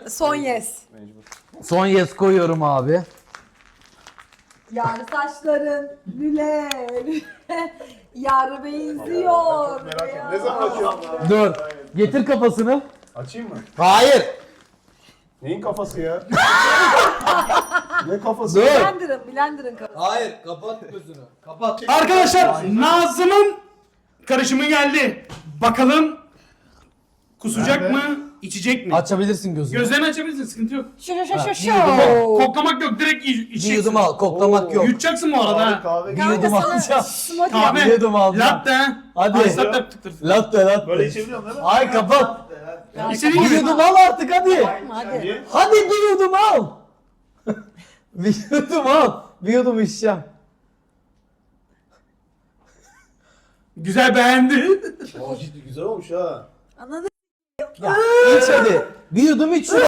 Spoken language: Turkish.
Son yes. Mecbur. Son yes koyuyorum abi. Yar saçların lüle lüle. Yar benziyor. Merak ettim. Ne zaman açıyorsun? Dur. Getir kafasını. Açayım mı? Hayır. Neyin kafası ya? Ne kafası? Dur. Blender'ın kafası. Hayır. Kapat gözünü. Kapat. Arkadaşlar Nazım'ın karışımı geldi. Bakalım kusacak Nerede? mı, içecek mi? Açabilirsin gözünü. Gözlerini açabilirsin, sıkıntı yok. Şu. Koklamak yok, direkt Bir içeceksin. yudum al. Koklamak yok. Yutacaksın bu arada Kahve, ha. kahve. Bir yudum alacağım. Smoothie Kahve. yap. Bir yudum alacağım. Latte. Hadi. Ice latte tıktır. Latte. Böyle içebiliyorum değil mi? Ay kapat. İstediğin Bir gibi. yudum al artık hadi. Hadi. Niye? Hadi bir yudum al. Bir yudum al. Bir yudum içeceğim. Güzel, beğendi. Ciddi güzel olmuş ha. Anladın? Ya iç hadi. Bir yudum iç.